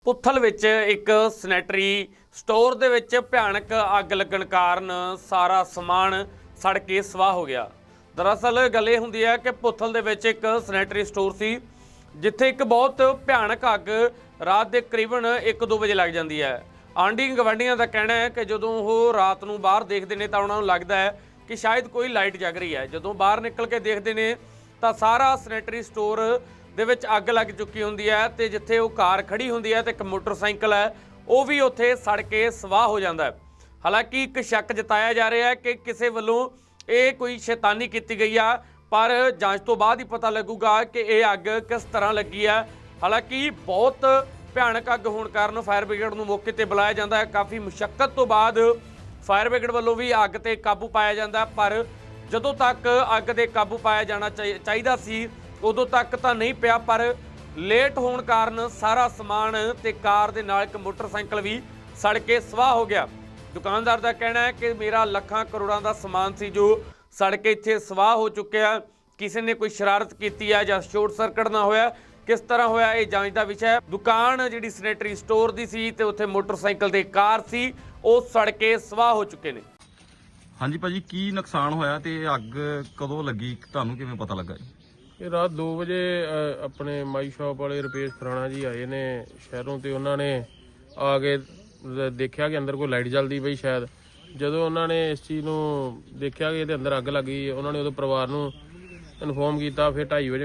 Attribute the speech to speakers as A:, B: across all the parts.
A: ਪੁੱਥਲ ਵਿੱਚ ਇੱਕ sanitary store ਦੇ ਵਿੱਚ ਭਿਆਨਕ ਅੱਗ ਲੱਗਣ ਕਾਰਨ ਸਾਰਾ ਸਮਾਨ ਸੜ ਕੇ ਸਵਾਹ ਹੋ ਗਿਆ। ਦਰਅਸਲ ਗੱਲ ਇਹ ਹੁੰਦੀ ਹੈ ਕਿ ਪੁੱਥਲ ਦੇ ਵਿੱਚ ਇੱਕ ਸੈਨੇਟਰੀ ਸਟੋਰ ਸੀ ਜਿੱਥੇ ਇੱਕ ਬਹੁਤ ਭਿਆਨਕ ਅੱਗ ਰਾਤ ਦੇ ਕਰੀਬਨ 1-2 ਵਜੇ ਲੱਗ ਜਾਂਦੀ ਹੈ। ਆਂਢੀ ਗਵਾਂਢੀਆਂ ਦਾ ਕਹਿਣਾ ਹੈ ਕਿ ਜਦੋਂ ਉਹ ਰਾਤ ਨੂੰ ਬਾਹਰ ਦੇਖਦੇ ਨੇ ਤਾਂ ਉਹਨਾਂ ਨੂੰ ਲੱਗਦਾ ਹੈ ਕਿ ਸ਼ਾਇਦ ਕੋਈ ਲਾਈਟ ਜਗ ਰਹੀ ਹੈ। ਜਦੋਂ ਬਾਹਰ ਨਿਕਲ ਕੇ ਦੇਖਦੇ ਨੇ ਤਾਂ ਸਾਰਾ ਸੈਨੇਟਰੀ ਸਟੋਰ ਦੇ ਵਿੱਚ ਅੱਗ ਲੱਗ ਚੁੱਕੀ ਹੁੰਦੀ ਹੈ ਤੇ ਜਿੱਥੇ ਉਹ ਕਾਰ ਖੜੀ ਹੁੰਦੀ ਹੈ ਤੇ ਇੱਕ ਮੋਟਰਸਾਈਕਲ ਹੈ ਉਹ ਵੀ ਉੱਥੇ ਸੜ ਕੇ ਸਵਾਹ ਹੋ ਜਾਂਦਾ ਹੈ। ਹਾਲਾਂਕਿ ਇੱਕ ਸ਼ੱਕ ਜਤਾਇਆ ਜਾ ਰਿਹਾ ਹੈ ਕਿ ਕਿਸੇ ਵੱਲੋਂ ਇਹ ਕੋਈ ਸ਼ੈਤਾਨੀ ਕੀਤੀ ਗਈ ਆ, ਪਰ ਜਾਂਚ ਤੋਂ ਬਾਅਦ ਹੀ ਪਤਾ ਲੱਗੂਗਾ ਕਿ ਇਹ ਅੱਗ ਕਿਸ ਤਰ੍ਹਾਂ ਲੱਗੀ ਹੈ। ਹਾਲਾਂਕਿ ਬਹੁਤ ਭਿਆਨਕ ਅੱਗ ਹੋਣ ਕਾਰਨ ਫਾਇਰ ਬ੍ਰਿਗੇਡ ਨੂੰ ਮੌਕੇ ਤੇ ਬੁਲਾਇਆ ਜਾਂਦਾ ਹੈ। ਕਾਫੀ ਮੁਸ਼ੱਕਤ ਤੋਂ ਬਾਅਦ ਫਾਇਰ ਬ੍ਰਿਗੇਡ ਵੱਲੋਂ ਵੀ ਅੱਗ ਤੇ ਕਾਬੂ ਪਾਇਆ ਜਾਂਦਾ, ਪਰ ਜਦੋਂ ਤੱਕ ਅੱਗ ਤੇ ਕਾਬੂ ਪਾਇਆ ਜਾਣਾ ਚਾਹੀਦਾ ਸੀ ਉਦੋਂ ਤੱਕ ਤਾਂ ਨਹੀਂ ਪਿਆ, ਪਰ ਲੇਟ ਹੋਣ ਕਾਰਨ ਸਾਰਾ ਸਮਾਨ ਤੇ ਕਾਰ ਦੇ ਨਾਲ ਇੱਕ ਮੋਟਰਸਾਈਕਲ ਵੀ ਸੜ ਕੇ ਸਵਾਹ ਹੋ ਗਿਆ। ਦੁਕਾਨਦਾਰ ਦਾ ਕਹਿਣਾ ਹੈ ਕਿ ਮੇਰਾ ਲੱਖਾਂ ਕਰੋੜਾਂ ਦਾ ਸਮਾਨ ਸੀ ਜੋ ਸੜ ਕੇ ਇੱਥੇ ਸਵਾਹ ਹੋ ਚੁੱਕਿਆ। ਕਿਸੇ ਨੇ ਕੋਈ ਸ਼ਰਾਰਤ ਕੀਤੀ ਹੈ ਜਾਂ ਸ਼ਾਰਟ ਸਰਕਟ ਨਾ ਹੋਇਆ, ਕਿਸ ਤਰ੍ਹਾਂ ਹੋਇਆ ਇਹ ਜਾਂਚ ਦਾ ਵਿਸ਼ਾ ਹੈ। ਦੁਕਾਨ ਜਿਹੜੀ ਸੈਨੇਟਰੀ ਸਟੋਰ ਦੀ ਸੀ ਤੇ ਉੱਥੇ ਮੋਟਰਸਾਈਕਲ ਤੇ ਕਾਰ ਸੀ ਉਹ ਸੜ ਕੇ ਸਵਾਹ ਹੋ ਚੁੱਕੇ ਨੇ।
B: ਹਾਂਜੀ ਭਾਜੀ, ਕੀ ਨੁਕਸਾਨ ਹੋਇਆ ਤੇ ਅੱਗ ਕਦੋਂ ਲੱਗੀ, ਤੁਹਾਨੂੰ ਕਿਵੇਂ ਪਤਾ ਲੱਗਾ ਜੀ?
C: ਇਹ ਰਾਤ 2 ਵਜੇ ਆਪਣੇ ਮਾਈ ਸ਼ਾਪ ਵਾਲੇ ਰੁਪੇਸ਼ ਖਰਾਣਾ ਜੀ ਆਏ ਨੇ ਸ਼ਹਿਰੋਂ ਤੇ ਉਹਨਾਂ ਨੇ ਆ ਕੇ ਦੇਖਿਆ ਕਿ ਅੰਦਰ ਕੋਈ ਲਾਈਟ ਜਲਦੀ ਪਈ ਸ਼ਾਇਦ। ਜਦੋਂ ਉਹਨਾਂ ਨੇ ਇਸ ਚੀਜ਼ ਨੂੰ ਦੇਖਿਆ ਕਿ ਇਹਦੇ ਅੰਦਰ ਅੱਗ ਲੱਗੀ, ਉਹਨਾਂ ਨੇ ਉਹਦੇ ਪਰਿਵਾਰ ਨੂੰ ਇਨਫੋਰਮ ਕੀਤਾ। ਫਿਰ 2:30 ਵਜੇ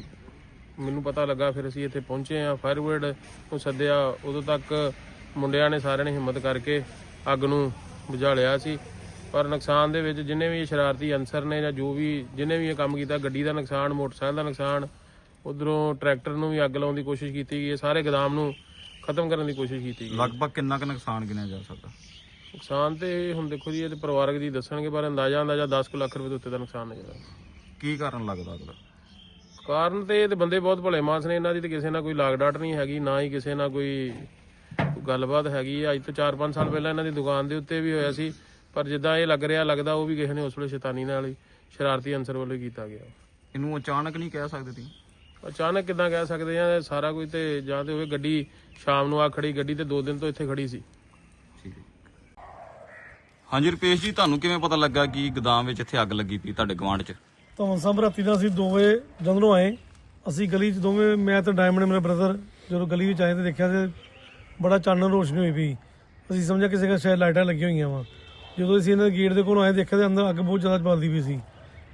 C: ਮੈਨੂੰ ਪਤਾ ਲੱਗਾ, ਫਿਰ ਅਸੀਂ ਇੱਥੇ ਪਹੁੰਚੇ ਆ, ਫਾਇਰ ਬ੍ਰਿਗੇਡ ਨੂੰ ਸੱਦਿਆ। ਉਦੋਂ ਤੱਕ ਮੁੰਡਿਆਂ ਨੇ ਸਾਰਿਆਂ ਨੇ ਹਿੰਮਤ ਕਰਕੇ ਅੱਗ ਨੂੰ ਬੁਝਾ ਲਿਆ ਸੀ। ਪਰ ਨੁਕਸਾਨ ਦੇ ਵਿੱਚ ਜਿੰਨੇ ਵੀ ਸ਼ਰਾਰਤੀ ਅਨਸਰ ਨੇ ਜਾਂ ਜੋ ਵੀ ਜਿਹਨੇ ਵੀ ਇਹ ਕੰਮ ਕੀਤਾ, ਗੱਡੀ ਦਾ ਨੁਕਸਾਨ, ਮੋਟਰਸਾਈਕਲ ਦਾ ਨੁਕਸਾਨ, ਉਧਰੋਂ ਟਰੈਕਟਰ ਨੂੰ ਵੀ ਅੱਗ ਲਾਉਣ ਦੀ ਕੋਸ਼ਿਸ਼ ਕੀਤੀ ਗਈ, ਸਾਰੇ ਗੋਦਾਮ ਨੂੰ ਖਤਮ ਕਰਨ ਦੀ ਕੋਸ਼ਿਸ਼ ਕੀਤੀ ਗਈ।
B: ਲਗਭਗ ਕਿੰਨਾ ਕੁ ਨੁਕਸਾਨ ਗਿਣਿਆ ਜਾ ਸਕਦਾ?
C: ਨੁਕਸਾਨ ਤੇ ਹੁਣ ਦੇਖੋ ਜੀ, ਇਹ ਤੇ ਪਰਿਵਾਰਕ ਜੀ ਦੱਸਣਗੇ, ਪਰ ਅੰਦਾਜ਼ਾ 10 ਲੱਖ ਰੁਪਏ ਦੇ ਉੱਤੇ ਦਾ ਨੁਕਸਾਨ ਨਜ਼ਰ ਆ।
B: ਕੀ ਕਾਰਨ ਲੱਗਦਾ ਅਗਲਾ?
C: ਕਾਰਨ ਤੇ ਇਹ ਤੇ ਬੰਦੇ ਬਹੁਤ ਭਲੇ ਮਾਨਸ ਨੇ, ਇਹਨਾਂ ਦੀ ਤੇ ਕਿਸੇ ਨਾਲ ਕੋਈ ਲਾਗ ਡਾਟ ਨਹੀਂ ਹੈਗੀ, ਨਾ ਹੀ ਕਿਸੇ ਨਾਲ ਕੋਈ ਗੱਲਬਾਤ ਹੈਗੀ। ਅੱਜ ਤੋਂ 4-5 ਸਾਲ ਪਹਿਲਾਂ ਇਹਨਾਂ ਦੀ ਦੁਕਾਨ ਦੇ ਉੱਤੇ ਵੀ ਹੋਇਆ ਸੀ, ਪਰ ਜਿੱਦਾਂ ਇਹ ਲੱਗਦਾ ਉਹ ਵੀ ਕਿਸੇ ਨੇ ਉਸ ਵੇਲੇ ਸ਼ੈਤਾਨੀ ਨਾਲ ਹੀ ਸ਼ਰਾਰਤੀ ਅਨਸਰ ਵੱਲੋਂ ਕੀਤਾ ਗਿਆ।
B: ਇਹਨੂੰ ਅਚਾਨਕ ਨਹੀਂ ਕਹਿ ਸਕਦੇ ਤੁਸੀਂ?
C: ਅਚਾਨਕ ਕਿੱਦਾਂ ਕਹਿ ਸਕਦੇ ਆ? ਸਾਰਾ ਕੁਝ ਤੇ ਜਾਂ ਤੇ ਹੋਵੇ ਗੱਡੀ ਸ਼ਾਮ ਨੂੰ ਆ ਖੜੀ, ਗੱਡੀ ਤੇ 2 ਦਿਨ ਤੋਂ ਇੱਥੇ ਖੜੀ ਸੀ।
B: ਠੀਕ ਹੈ। ਹਾਂਜੀ ਰੁਪੇਸ਼ ਜੀ, ਤੁਹਾਨੂੰ ਕਿਵੇਂ ਪਤਾ ਲੱਗਾ ਕਿ ਗੋਦਾਮ ਵਿੱਚ ਇੱਥੇ ਅੱਗ ਲੱਗੀ ਪਈ ਤੁਹਾਡੇ ਗਵਾਂਢ 'ਚ?
D: ਤਾਂ ਸਭ ਰਾਤੀ ਦਾ ਅਸੀਂ 2 ਵਜੇ ਜਦੋਂ ਆਏ, ਅਸੀਂ ਗਲੀ 'ਚ ਦੋਵੇਂ, ਮੈਂ ਤੇ ਡਾਇਮੰਡ ਮੇਰਾ ਬ੍ਰਦਰ, ਜਦੋਂ ਗਲੀ ਵਿੱਚ ਆਏ ਤੇ ਦੇਖਿਆ ਤੇ ਬੜਾ ਚਾਨਣ ਰੋਸ਼ਨੀ ਹੋਈ ਪਈ। ਅਸੀਂ ਸਮਝਿਆ ਕਿਸੇ ਦਾ ਸ਼ਾਇਦ ਲਾਈਟਾਂ ਲੱਗੀਆਂ ਹੋਈਆਂ ਵਾ। ਜਦੋਂ ਅਸੀਂ ਇਹਨਾਂ ਦੇ ਗੇਟ ਦੇ ਕੋਲ ਆਏ ਦੇਖਿਆ ਤੇ ਅੰਦਰ ਅੱਗ ਬਹੁਤ ਜ਼ਿਆਦਾ ਬਲਦੀ ਪਈ ਸੀ।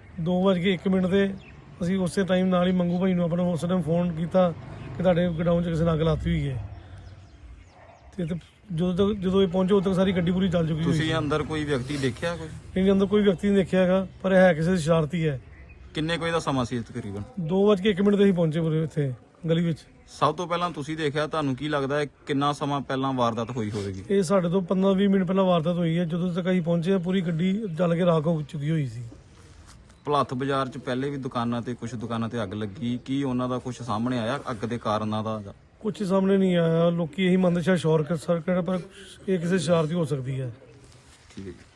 D: 2:01 ਤੇ ਅਸੀਂ ਉਸੇ ਟਾਈਮ ਨਾਲ ਹੀ ਮੰਗੂ ਭਾਈ ਨੂੰ ਆਪਣਾ ਉਸ ਟਾਈਮ ਫੋਨ ਕੀਤਾ ਕਿ ਤੁਹਾਡੇ ਗਡਾਊਨ 'ਚ ਕਿਸੇ ਨੇ ਅੱਗ ਲਾਤੀ ਹੋਈ ਹੈ। ਤੇ ਜਦੋਂ ਇਹ ਪਹੁੰਚੇ ਉਦੋਂ ਤੱਕ ਸਾਰੀ ਗੱਡੀ ਪੂਰੀ ਜਲ ਚੁੱਕੀ ਸੀ।
B: ਤੁਸੀਂ ਅੰਦਰ ਕੋਈ ਵਿਅਕਤੀ ਦੇਖਿਆ? ਕੋਈ
D: ਇਹਦੇ ਅੰਦਰ ਕੋਈ ਵਿਅਕਤੀ ਨਹੀਂ ਦੇਖਿਆ ਹੈਗਾ, ਪਰ ਹੈ ਕਿਸੇ ਦੀ ਸ਼ਰਾਰਤੀ ਹੈ।
B: ਕਿੰਨੇ ਕੋਈ ਦਾ ਸਮਾਂ ਸੀ ਤਕਰੀਬਨ?
D: 2:01 ਤੇ ਅਸੀਂ ਪਹੁੰਚੇ ਪੂਰੇ ਇੱਥੇ ਗਲੀ ਵਿੱਚ।
B: ਸਭ ਤੋਂ ਪਹਿਲਾਂ ਤੁਸੀਂ ਦੇਖਿਆ, ਤੁਹਾਨੂੰ ਕੀ ਲੱਗਦਾ ਹੈ ਕਿੰਨਾ ਸਮਾਂ ਪਹਿਲਾਂ ਵਾਰਦਾਤ ਹੋਈ ਹੋਵੇਗੀ?
D: ਇਹ ਸਾਡੇ ਤੋਂ 15-20 ਮਿੰਟ ਪਹਿਲਾਂ ਵਾਰਦਾਤ ਹੋਈ ਹੈ। ਜਦੋਂ ਤੱਕ ਅਸੀਂ ਪਹੁੰਚੇ ਪੂਰੀ ਗੱਡੀ ਜਲ ਕੇ ਰਾਖ ਹੋ ਚੁੱਕੀ ਹੋਈ ਸੀ।
B: ਭਲੱਥ ਬਾਜ਼ਾਰ 'ਚ ਪਹਿਲੇ ਵੀ ਦੁਕਾਨਾਂ ਤੇ ਕੁਝ ਦੁਕਾਨਾਂ ਤੇ ਅੱਗ ਲੱਗੀ, ਕੀ ਉਹਨਾਂ ਦਾ ਕੁਝ ਸਾਹਮਣੇ ਆਇਆ ਅੱਗ ਦੇ ਕਾਰਨਾਂ ਦਾ?
D: ਕੁਝ ਸਾਹਮਣੇ ਨਹੀਂ ਆਇਆ। ਲੋਕੀ ਇਹੀ ਮੰਨਦੇ ਸ਼ਾਇਦ ਸ਼ਾਰਟ ਸਰਕਟ, ਪਰ ਇਹ ਕਿਸੇ ਸ਼ਰਾਰਤੀ ਹੋ ਸਕਦੀ ਹੈ।
B: ਠੀਕ ਹੈ ਜੀ।